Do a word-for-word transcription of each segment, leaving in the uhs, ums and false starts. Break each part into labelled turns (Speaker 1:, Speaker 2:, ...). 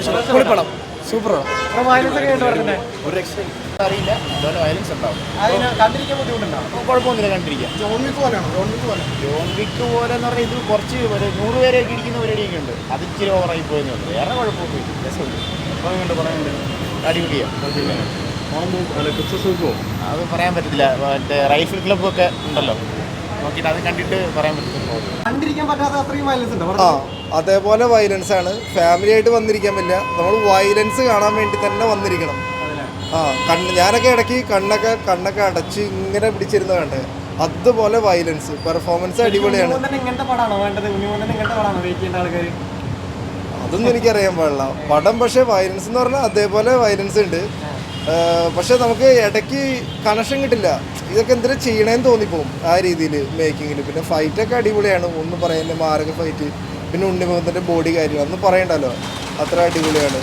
Speaker 1: പൊളിപ്പടം super
Speaker 2: ഒരു രക്ഷയും അറിയില്ല, അതുപോലെ വയലൻസ് ഉണ്ടാവും. കുഴപ്പമൊന്നുമില്ല, കണ്ടിരിക്കാം. ജോൺ വിക്ക് പോലെയാണോ? ജോൺ വിക്ക് പോലെ ജോൺ വിക്ക് പോലെ എന്ന് പറഞ്ഞാൽ ഇത് കുറച്ച് ഒരു നൂറ് പേരെയൊക്കെ ഇരിക്കുന്ന പരിപാടിയൊക്കെ ഉണ്ട്. അത് ഇച്ചിരി ഓവറായി പോയെന്നുണ്ട്. വേറെ കുഴപ്പമൊന്നുമില്ല, രസമുണ്ട്. പറയുന്നുണ്ട് പറയുന്നുണ്ട് അടിപൊളിയാണ്. അത് പറയാൻ പറ്റത്തില്ല. മറ്റേ റൈഫിൾ ക്ലബ്ബൊക്കെ ഉണ്ടല്ലോ, നോക്കിയിട്ട് അത് കണ്ടിട്ട് പറയാൻ പറ്റത്തില്ല.
Speaker 3: ആ അതേപോലെ വയലൻസ് ആണ്. ഫാമിലി ആയിട്ട് വന്നിരിക്കാൻ പറ്റില്ല, നമ്മൾ വയലൻസ് കാണാൻ വേണ്ടി തന്നെ വന്നിരിക്കണം. ആ കണ്ണ് ഞാനൊക്കെ ഇടയ്ക്ക് കണ്ണൊക്കെ കണ്ണൊക്കെ അടച്ച് ഇങ്ങനെ പിടിച്ചിരുന്ന കണ്ടേ, അതുപോലെ വയലൻസ് പെർഫോമൻസ് അടിപൊളിയാണ്. അതൊന്നും എനിക്കറിയാൻ പാടില്ല പടം. പക്ഷേ വയലൻസ് എന്ന് പറഞ്ഞാൽ അതേപോലെ വയലൻസ് ഉണ്ട്. പക്ഷെ നമുക്ക് ഇടയ്ക്ക് കണക്ഷൻ കിട്ടില്ല. ഇതൊക്കെ എന്തിനാ ചെയ്യണേന്ന് തോന്നിപ്പോവും ആ രീതിയിൽ മേക്കിങ്ങിൽ. പിന്നെ ഫൈറ്റൊക്കെ അടിപൊളിയാണ്, ഒന്നും പറയാനില്ല. മാരക ഫൈറ്റ്, പിന്നെ ഉണ്ണിമുഖത്തിൻ്റെ ബോഡി കാര്യങ്ങൾ ഒന്നും പറയണ്ടല്ലോ, അത്ര അടിപൊളിയാണ്.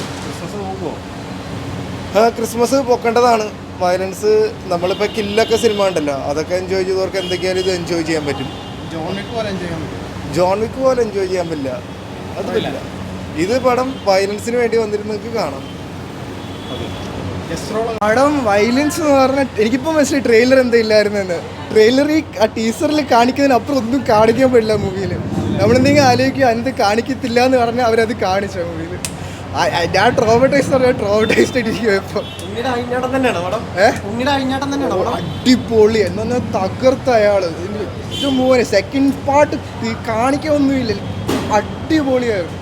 Speaker 3: ആ ക്രിസ്മസ് പൊക്കേണ്ടതാണ്. വയലൻസ് നമ്മളിപ്പോൾ കില്ലൊക്കെ സിനിമ ഉണ്ടല്ലോ, അതൊക്കെ എൻജോയ് ചെയ്തവർക്ക് എന്തൊക്കെയാലും ഇത് എൻജോയ് ചെയ്യാൻ പറ്റും. ജോൺ വിക്ക് പോലെ എൻജോയ് ചെയ്യാൻ പറ്റും ജോൺ വിക്ക് പോലെ എൻജോയ് ചെയ്യാൻ പറ്റില്ല, അത് പറ്റില്ല. ഇത് പടം വയലൻസിന് വേണ്ടി വന്നിരുന്നെങ്കിൽ കാണാം.
Speaker 1: പടം വയലൻസ് എന്ന് പറഞ്ഞാൽ എനിക്കിപ്പോൾ മനസ്സിലായി ട്രെയിലർ എന്താ ഇല്ലായിരുന്നെന്ന്. ട്രെയിലറിൽ ആ ടീസറിൽ കാണിക്കുന്നതിനപ്പുറം ഒന്നും കാണിക്കാൻ പറ്റില്ല മൂവിയിൽ. നമ്മളെന്തെങ്കിലും ആലോചിക്കുക അതിനകത്ത് കാണിക്കത്തില്ല എന്ന് പറഞ്ഞാൽ അവരത് കാണിച്ച മൂവിയിൽ. ഞാൻ ട്രോമറ്റൈസ് പറഞ്ഞാൽ ട്രോമറ്റൈസ്ഡ് ആയിട്ടിരിക്കും ഇപ്പോൾ. അടിപൊളി എന്ന് പറഞ്ഞാൽ തകർത്ത അയാൾ. ഇത് മൂവന് സെക്കൻഡ് പാർട്ട് കാണിക്കൊന്നുമില്ല, അടിപൊളിയായിരുന്നു.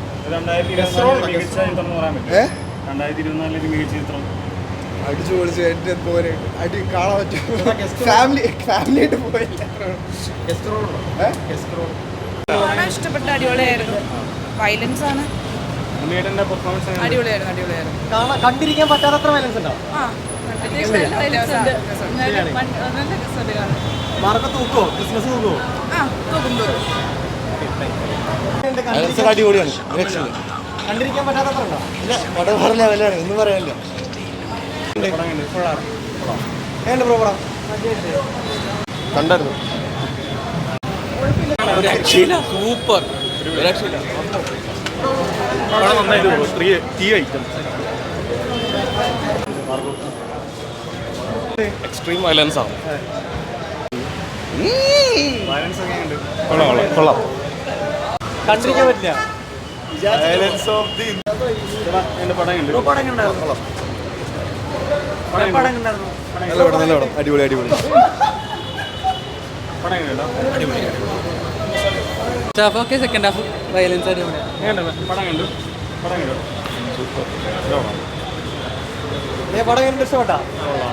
Speaker 1: അടിച്ചു പൊളിച്ച് എൻ്റെ പോലെ അടി കാണാൻ പറ്റും. ഫാമിലി ഫാമിലി ആയിട്ട് പോയില്ല.
Speaker 4: ഇഷ്ടപ്പെട്ട അടിപൊളിയായിരുന്നു. വയലൻസ് ആണ്, അടിപൊളിയായിരുന്നു അടിപൊളിയായിരുന്നു
Speaker 5: കണ്ടിരിക്കാൻ പറ്റാത്തത്ര വയലൻസ് ഉണ്ടോ? മാർക്ക് തൂക്കോ? ക്രിസ്മസ് തൂക്കോ?
Speaker 2: അടിപൊളിയാണ്,
Speaker 5: കണ്ടിരിക്കാൻ പറ്റാത്തത്ര ഉണ്ടോ?
Speaker 2: ഇല്ല, പടം പറഞ്ഞ ലെവലാണ്, ഒന്നും പറയാനില്ല. കണ്ടായിരുന്നു,
Speaker 6: സൂപ്പർ. എക്സ്ട്രീം വയലൻസ് ആണ്.
Speaker 2: കൊള്ളാം.
Speaker 5: കണ്ടിരിക്കാൻ പറ്റില്ല.
Speaker 3: അടിപൊളി അടിപൊളി
Speaker 6: സെക്കൻഡ് ഹാഫ് വയലൻസ്
Speaker 5: പടം കണ്ടു ഇഷ്ടപ്പെട്ടാ?